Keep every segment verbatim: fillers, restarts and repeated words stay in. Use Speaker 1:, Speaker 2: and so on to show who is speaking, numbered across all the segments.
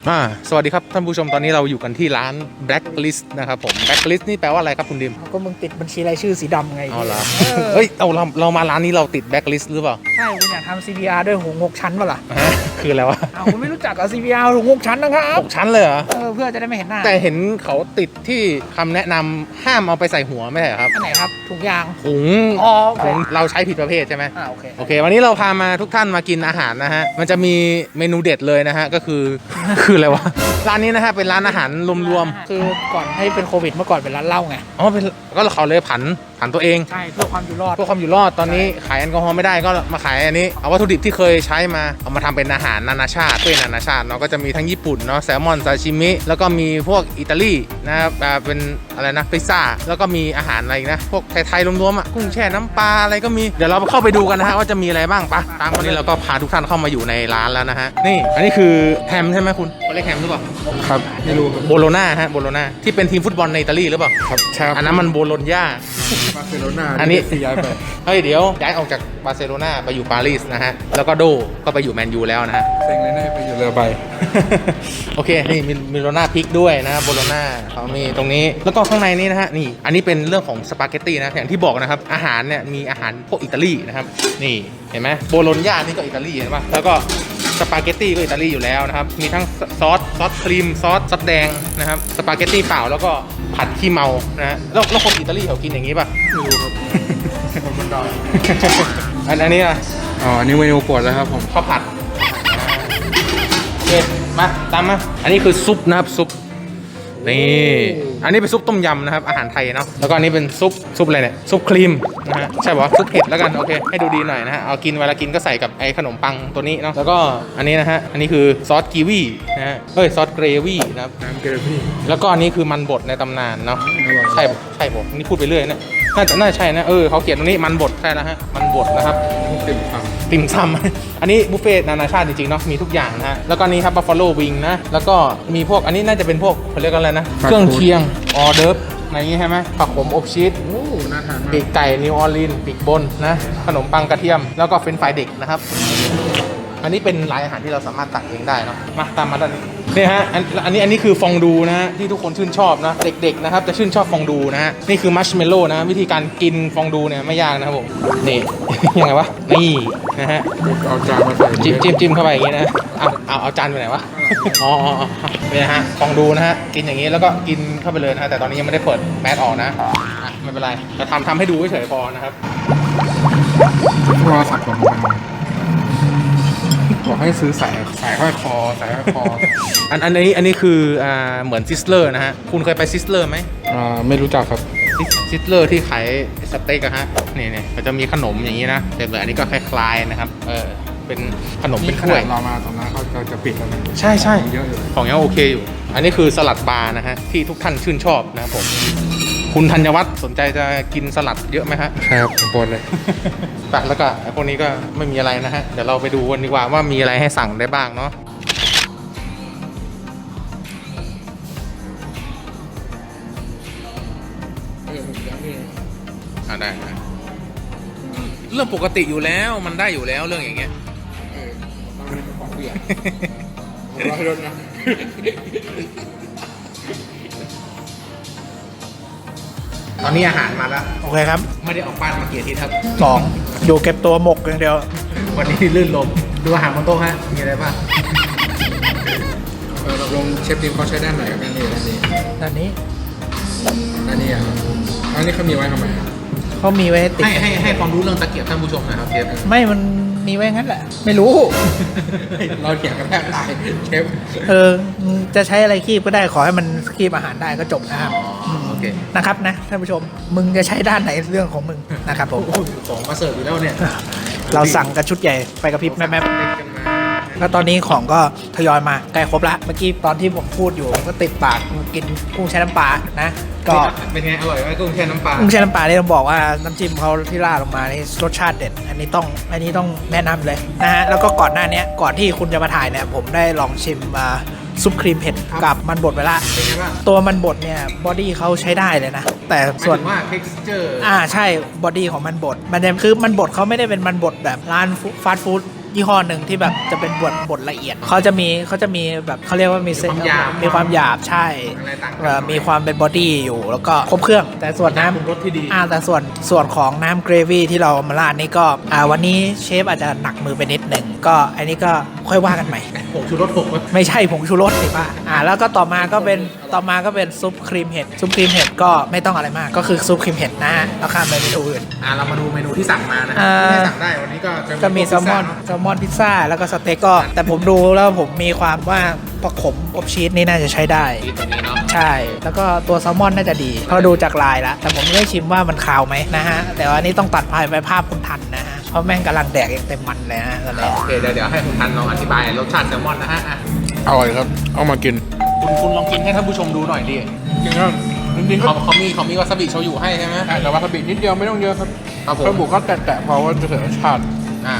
Speaker 1: อ่าสวัสดีครับท่านผู้ชมตอนนี้เราอยู่กันที่ร้าน Blacklist นะครับผม Blacklist นี่แปลว่าอะไรครับคุณดิม
Speaker 2: ก็มึงติดบัญชีรายชื่อสีดำไง
Speaker 1: อ๋อเหรอเฮ้ยเอาเราเรามาร้านนี้เราติด Blacklist หรือเปล่า
Speaker 2: ใช่คุณอยากทำ ซี พี อาร์ ด้วยหูงกชั้นป่ะล่ะ
Speaker 1: ฮะคืออะไรวะ
Speaker 2: อ้าวคุณไม่รู้จักกับ ซี พี อาร์ หูงกชั้นนะครับ
Speaker 1: หกชั้นเลยเหรอ
Speaker 2: เออเพื่อจะได้ไม่เห็นหน้า
Speaker 1: แต่เห็นเขาติดที่คำแนะนำห้ามเอาไปใส่หัวไม่ใช่เหรอครับ
Speaker 2: อันไหนครับถุงยาง
Speaker 1: ถุง
Speaker 2: อ๋อ
Speaker 1: ถุงเราใช้ผิดประเภทใช่ไหม
Speaker 2: อ่าโอเค
Speaker 1: โอเควันนี้เราพามาทุกท่านมากินอาหารนะฮะมันจะมีเมนูเด็ดเลยนะฮะก็คือ คืออะไรวะร้านนี้นะฮะเป็นร้านอาหารรวม
Speaker 2: ๆคือก่อนให้เป็นโควิดเมื่อก่อนเป็นร้านเหล้าไง
Speaker 1: อ๋อเป็นก็เขาเลยผันผันตัวเอง
Speaker 2: ใช่เพื่อความอยู่รอด
Speaker 1: เพื่อความอยู่รอดตอนนี้ขายแอลกอฮอล์ไม่ได้ก็มาขายอันนี้เอาวัตถุดิบที่เคยใช้มาเอามาทำเป็นอาหารนานาชาติเป็นนานาชาติเนาะก็จะมีทั้งญี่ปุ่นเนาะแซลมอนซาชิมิแล้วก็มีพวกอิตาลีนะครับเป็นอะไรนะพิซซ่าแล้วก็มีอาหารอะไรนะพวกไทยๆรวมๆอ่ะกุ้งแช่น้ำปลาอะไรก็มีเดี๋ยวเราเข้าไปดูกันนะฮะว่าจะมีอะไรบ้างปะตามวันนี้เราก็พาทุกท่านเข้ามาอยู่ในร้านแล้วนะฮะนี่อันนี้คือแฮมใช่ไหมคุณเขาเรียกแฮมหรือเปล่า
Speaker 3: ครับไม่รู้
Speaker 1: โบโลนาฮะโบโลนาที่เป็นทีมฟุตบอลในอิตาลีหรือเปล่า
Speaker 3: ครับใช่
Speaker 1: อันนั้นมันโบโลญญา
Speaker 3: บาร์เซโลนา
Speaker 1: อันนี้
Speaker 3: ย้ายไป
Speaker 1: เฮ้ยเดี๋ยวย้ายออกจากบาร์เซโลนาไปอยู่ปารีสนะฮะแล้วก็โดก็ไปอยู่แมนยูแล้วนะฮะ
Speaker 3: เซ็งเลยได้ไปอยู่เรือใบ
Speaker 1: โอเคนี่มีมีโรน่าพริกด้วยนะโบโลน่าเขามีตรงนี้แล้วก็ข้างในนี้นะฮะนี่อันนี้เป็นเรื่องของสปาเกตตี้นะอย่างที่บอกนะครับอาหารเนี่ยมีอาหารพวกอิตาลีนะครับนี่เห็นไหมโบโลญญานี่ก็อิตาลีเห็นป่ะแล้วก็สปาเกตตี้ก็อิตาลีอยู่แล้วนะครับมีทั้งซอสซอสครีมซอสซอสแดงนะครับสปาเกตตี้เปล่าแล้วก็ผัดขี้เมานะฮะแล้วแล้วคนอิตาลีเขากินอย่างนี้ป่ะ
Speaker 3: ไม่รู้ครับคนบนดอย
Speaker 1: อันอันนี้อ่ะ
Speaker 3: อ๋ออันนี้เมนูโปรดแล้วครับผม
Speaker 1: ข้าวผัดโอเคมาตามมาอันนี้คือซุปนะครับซุปนี่อันนี้เป็นซุปต้มยำนะครับอาหารไทยเนาะแล้วก็อันนี้เป็นซุปซุปอะไรเนี่ยซุปครีมนะฮะใช่ป่ะซุปเผ็ดแล้วกันโอเคให้ดูดีหน่อยนะฮะเอากินเวลากินก็ใส่กับไอ้ขนมปังตัวนี้เนาะแล้วก็อันนี้นะฮะอันนี้คือซอสกีวีนะฮะเอ้ยซอสเกรวี่นะครับ
Speaker 3: น้ำเกลือพี่
Speaker 1: แล้วก็อันนี้คือมันบดในตำนานเนาะใช่ใช่ผมนี่พูดไปเรื่อยนะน่าจะน่าใช่นะเออเขาเขียนตรงนี้มันบดใช่แล้วฮะมันบดนะครับ
Speaker 3: ติ่มซำ
Speaker 1: ติ่มซำอันนี้บุฟเฟ่ต์นานาชาติจริงๆเนาะมีทุกอย่างนะฮะแล้วก็นี้ครับบัฟฟาโลวิงนะแล้วก็มีพวกอันนี้น่าจะเป็นพวกเขาเรียกอะไรนะเครื่องเคียงออเดิร์ฟอะไรอย่างงี้ใช่ไหมผักขมอบชีส
Speaker 3: โอ้น่าทานมาก
Speaker 1: ปีกไก่นิวออร์ลีนปีกบนนะขนมปังกระเทียมแล้วก็เฟรนช์ฟรายเด็กนะครับอันนี้เป็นรายอาหารที่เราสามารถตักเองได้เนาะมาตามมาด้านนี้นี่ฮะอันอันนี้อันนี้คือฟองดูนะฮะที่ทุกคนชื่นชอบนะเด็กๆนะครับจะชื่นชอบฟองดูนะฮะนี่คือมัชเมลโล่นะวิธีการกินฟองดูเนี่ยไม่ยากนะครับผมนี่ ยังไงวะนี่นะฮะ
Speaker 3: เอาจานมาใส่
Speaker 1: จิ้มจิ้มจิ้มเข้าไปอย่างงี้นะเอาเอาเอาจานไปไหนวะอ๋อนี่นะฮะฟองดูนะฮะกินอย่างงี้แล้วก็กินเข้าไปเลยนะแต่ตอนนี้ยังไม่ได้เปิดแมสออกนะไม่เป็นไรจะทำทำให้ดูเฉยๆพอนะครับ
Speaker 3: โทรศัพท์ผมบอกให้ซื้อสายสายห้อยคอสายห้อยคอ
Speaker 1: อันอันนี้อันนี้คืออ่าเหมือนซิสเลอร์นะฮะคุณเคยไปซิสเลอร์ไหม
Speaker 3: อ่าไม่รู้จักครับ
Speaker 1: ซิสเลอร์ที่ขายสเต็กอะฮะนี่นี่มันจะมีขนมอย่างนี้นะแต่แบบอันนี้ก็คล้ายๆนะครับเออเป็นขนมเป็นถ้วย
Speaker 3: เรามาตอนนั้นเขาจะปิดแล้วนะ
Speaker 1: ใช่ใช่
Speaker 3: เยอะอยู่
Speaker 1: ของยังโอเคอยู่อันนี้คือสลัดบาร์นะฮะที่ทุกท่านชื่นชอบนะครับผมคุณธัญวัฒน์สนใจจะกินสลัดเยอะไหมฮะ
Speaker 3: ใช่ครับผมปนเลย
Speaker 1: แต่แล้วก็พวกนี้ก็ไม่มีอะไรนะฮะเดี๋ยวเราไปดูกันดีกว่าว่ามีอะไรให้สั่งได้บ้างเนาะอ่าได้นะเรื่องปกติอยู่แล้วมันได้อยู่แล้วเรื่องอย่างเงี้ย
Speaker 3: เออต้องเป็นของเบียร์ผมรอให้รถนะ
Speaker 1: ตอนนี้อาหารมาแล้ว
Speaker 2: โอเคครับ
Speaker 1: ไม่ได้ออกบ้านมากี่อาทิตย์ครับ
Speaker 2: สองอยู่เก็บตัวหมกอย่างเดียว
Speaker 1: วันนี้ลื่นลมดูอาหารบนโต๊ะฮะมีอะไรบ้าง
Speaker 3: เออเราลงเชฟดิมเขาใช้ด้านไหนครับด้านนี้
Speaker 2: ด้านนี้
Speaker 3: ด้านนี้อ่ะอันนี้เขามีไว้ทำไม
Speaker 2: เขามีไว้ติด
Speaker 1: ให้ให้ให้ความรู้เรื่องตะเกียบท่านผู้ชมหน่อยครับเชฟ
Speaker 2: ไม่มันมีไว้งั้นแหละไม่รู้
Speaker 3: เราเถียงกันแทบตายเชฟ
Speaker 2: เออจะใช้อะไรคีบก็ได้ขอให้มันคีบอาหารได้ก็จบนะครับ
Speaker 1: โอเค
Speaker 2: นะครับนะท่านผู้ชมมึงจะใช้ด้านไหนเรื่องของมึงนะครับผม
Speaker 1: ของมาเสิร์ฟอยู่แล้วเนี่ย
Speaker 2: เราสั่งกันชุดใหญ่ไปกับพริบแม่แล้วตอนนี้ของก็ทยอยมาใกล้ครบละเมื่อกี้ตอนที่ผมพูดอยู่ก็ติดปากกินกุ้งแช่น้ำปลานะก็
Speaker 1: เป็นไงอร่อยไหมกุ้งแช่น้ำปลา
Speaker 2: กุ้งแช่น้ำปลาที่ต้องบอกว่าน้ำจิ้มเขาที่ราดลงมานี่รสชาติเด็ดอันนี้ต้องอันนี้ต้องแนะนำเลยนะฮะแล้วก็ก่อนหน้านี้ก่อนที่คุณจะมาถ่ายเนี่ยผมได้ลองชิมมาซุปครีมเผ็ดกับมันบดไปละตัวมันบดเนี่ยบอดี้เขาใช้ได้เลยนะแต่ส่วน
Speaker 1: ว่า texture
Speaker 2: อ่าใช่บอดี้ของมันบดมันจะคือมันบดเขาไม่ได้เป็นมันบดแบบร้านฟาสต์ฟู้ดยี่ห้อหนึ่งที่แบบจะเป็นบดบดละเอียดเขาจะมีเขาจะมีแบบเขาเรียกว่ามีเส้น
Speaker 1: มีความหยาบ
Speaker 2: มีความหยาบใช่
Speaker 1: อะไรต่างกัน
Speaker 2: เอ่อมีความเป็นบอดี้อยู่แล้วก็ครบเครื่อง แต่ส่วนน้ำ
Speaker 1: ปรุงรสที่ดี
Speaker 2: อ่าแต่ส่วนส่วนของน้ำเกรวี่ที่เรามาราดนี่ก็อ่าวันนี้เชฟอาจจะหนักมือไปนิดหนึ่งก็อันนี้ก็ค่อยว่ากันใหม่
Speaker 1: ผงชูรสหกไหม
Speaker 2: ไม่ใช่ผงชูรสสิป้าอ่าแล้วก็ต่อมาก็เป็นต่อมาก็เป็นซุปครีมเห็ดซุปครีมเห็ดก็ไม่ต้องอะไรมากก็คือซุปครีมเห็ดนะฮะแล้วข้ามไปเมนูอื่น
Speaker 1: อ่าเรามาดูเมนูที่สั่งมานะ
Speaker 2: อ่า
Speaker 1: ที่สั่งได้วันนี้ก็จะ
Speaker 2: ก็มีแซลมอน
Speaker 1: พิซซ่า
Speaker 2: แซลมอนพิซซ่าแล้วก็สเต็กก็ แต่ผมดูแล้วผมมีความว่าประขมอบชีสนี่น่าจะใช้ได้
Speaker 1: ที่ตัวนี้เนาะ
Speaker 2: ใช่ แล้วก็ตัวแซลมอนน่าจะดีเพราะดูจากลายแล้ว แต่ผมไม่ได้ชิมว่ามันคาวไหมนะฮะ แต่ว่านี่ต้องตัดภายไปภาพคุณทันนะฮะ เพราะแม่งกำลังแดกอย่างเต็มมันเลยฮะตอนนี้
Speaker 1: โอเคเดี๋ยวเดี๋ยวให้คุณทันลองอธิบายรสชาติแซลมอนนะฮะอ่ะ
Speaker 3: อร่อยครับ เอามากิน
Speaker 1: คุณคุณลองกินให้ท่านผู้ชมดูหน่อยดิ
Speaker 3: จริงครับจริงๆก็
Speaker 1: เขาเขามีเขามีวาซาบิโชยุให้ใช่ไหม
Speaker 3: แต่วาซาบินิดเดียวไม่ต้องเยอะครับ
Speaker 1: ครับผม
Speaker 3: กระบุกก็แตะๆพอว่าจะเสียรสชาติ
Speaker 1: อ่า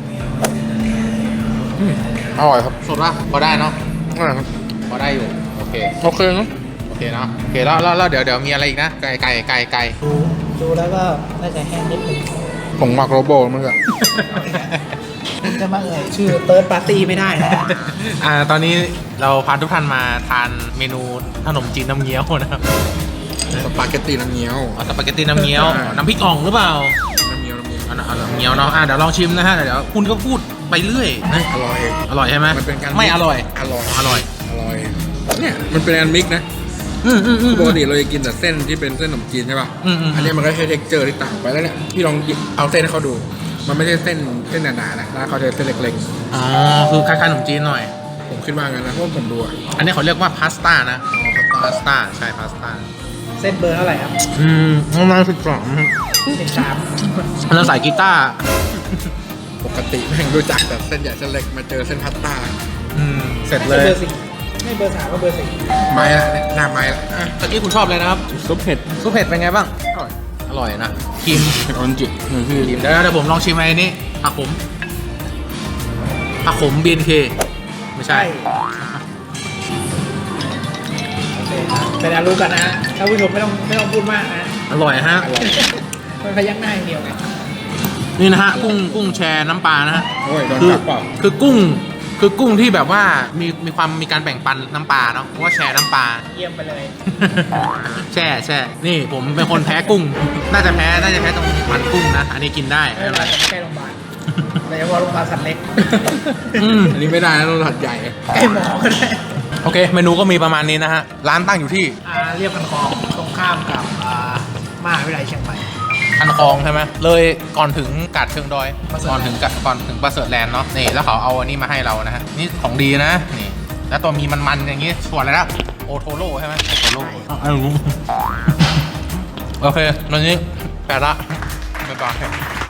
Speaker 3: อืมอร่อยครับ
Speaker 1: สดป่ะพอได้เนาะ
Speaker 3: อร่อยครับ
Speaker 1: พอได้อยู่โอเค
Speaker 3: โอเคเนอะ
Speaker 1: โอเคเนาะโอเคแล้วแล้วแล้วเดี๋ยวเดี๋ยวมีอะไรอีกนะไก่ไก่ไก่ไก่
Speaker 2: ดูดูแล้วก็น่าจะแห้งนิดนึง
Speaker 3: ผมหมักโรโบมันก็
Speaker 2: คุณจะมาเอ่ยชื่อเติร์ดปาร์ตี้ไม่ได้นะ
Speaker 1: อ่าตอนนี้เราพาทุกท่านมาทานเมนูขนมจีนน้ำเงี้ยวนะครับ
Speaker 3: สปาเกตตีน้ำเงี้ยว
Speaker 1: เอาสปาเกตตีน้ำเงี้ยว
Speaker 3: ใช่
Speaker 1: น้ำพริกอ่องหรือเปล่า
Speaker 3: น้ำเงี้ยวน้ำเงี้ยว
Speaker 1: เอาเอาน้ำเงี้ยวเนาะอ่ะเดี๋ยวลองชิมนะฮะเดี๋ยวคุณก็พูดไปเรื่อยนะ
Speaker 3: อร่อย
Speaker 1: อร่อยใช่ไหม
Speaker 3: มันเป็นการ
Speaker 1: ไม่อร่อย
Speaker 3: อร่อย
Speaker 1: อร่อย
Speaker 3: อร่อย เนี่ยมันเป็นการมิกซ์นะ
Speaker 1: อืมอืมอืม
Speaker 3: ปกติเราจะกินแต่เส้นที่เป็นเส้นขนมจีนใช่ป่ะ
Speaker 1: อืมอืม
Speaker 3: อันนี้มันก็ใช้เท็กเจอร์ที่ต่างไปแล้วเนี่ยพี่ลองหยิบเอาเส้นให้เขาดู มันไม่ใช่เส้นเส้นหนาๆนะแล้วเขาจะเส้นเล็ก
Speaker 1: อ๋อคือคล้ายๆขนมจีนหน่อย
Speaker 3: ๆ ผมคิดว่างั้นนะเพราะผมดูอะ
Speaker 1: อันนี้เขาเรียกว่าพาสต้านะพาสต้าใช่พาสต้า
Speaker 2: เส้นเบอร์เท่าไหร่ครับ
Speaker 1: อืมประมาณสิบสอง
Speaker 2: สิบสาม
Speaker 1: แล้วใส่กีตาร์
Speaker 3: ปกติแม่งรู้จักแต่เส้นใหญ่เส้นเล็กมาเจอเส้นพาสต้า
Speaker 1: อืมเสร็จ
Speaker 2: ไม่
Speaker 1: เล
Speaker 2: ใช่
Speaker 1: ย
Speaker 2: เบอร์สี่ไม่เบอร์สามก็เบอร์สี่
Speaker 3: ไม้ละเนี่ยหน้าไม้ละอ่ะ
Speaker 1: ตะกี้คุณชอบเลยนะครับ
Speaker 3: ซุปเผ็ด
Speaker 1: ซุปเผ็ดเป็นไงบ้าง
Speaker 3: อร่อย
Speaker 1: อร่อยนะครีม
Speaker 3: เผ็ดออนจินี่คือ
Speaker 1: ครีมเดี๋ยวเดี๋ยวผมลองชิมไอ้นี้ผักขมผักขม บี เอ็น เค ไม่ใช่
Speaker 2: โอเคเป็นอารู้กันนะฮะท่านผู้ชมไม่ต้องไม่ต้องพูดมากนะ
Speaker 1: อร่อยฮะ
Speaker 3: อร่อย
Speaker 2: มันพยักหน้าอย่างเดียวไง
Speaker 1: นี่นะฮะกุ้งกุ้งแชร์น้ำปลานะฮะ
Speaker 3: โอ้ยโดน
Speaker 1: คือ
Speaker 3: จับเปล่า
Speaker 1: คือกุ้งคือกุ้งที่แบบว่ามีมีความมีการแบ่งปันน้ำปลาเนาะเพราะว่าแชร์น้ำปลา
Speaker 2: เยี่ยมไปเลย
Speaker 1: แช่แช่นี่ผมเป็นคนแพ้กุ้ง น่าจะแพ้น่าจะแพ้ตรงมันกุ้งนะ อันนี้กินได้
Speaker 2: ไม่
Speaker 1: ไม่
Speaker 2: เป็
Speaker 1: เป็น นไร
Speaker 2: ไรแต่ไม่ใกล้โรงพยาบาลโดยเฉพาะโรงพยาบาลสัตว์เล็ก
Speaker 1: อืม
Speaker 3: อันนี้ไม่ได้นะต้องหัดใหญ่
Speaker 2: ใกล้หมอก็ได้
Speaker 1: โอเค เมนูก็มีประมาณนี้นะฮะ ร้านตั้งอยู่ที่
Speaker 2: อ่าเรียบกันคลองตรงข้ามกับอ่ามหาวิทยาลัยเชียงใหม่
Speaker 1: คันคลองใช่ไหมเลยก่อนถึงกาดเชิงดอย
Speaker 2: ประเสริฐ
Speaker 1: ก่อนถึงกะก่อนถึงประเสริฐแลนด์เนาะนี่แล้วเขาเอาอันนี้มาให้เรานะฮะนี่ของดีนะนี่แล้วตัวมีมันๆอย่างงี้ส่วนอะไรนะโอโทโร่ใช่ไหมโอโทโร่อ้าวโอเควันนี้แปดละบ๊ายบาย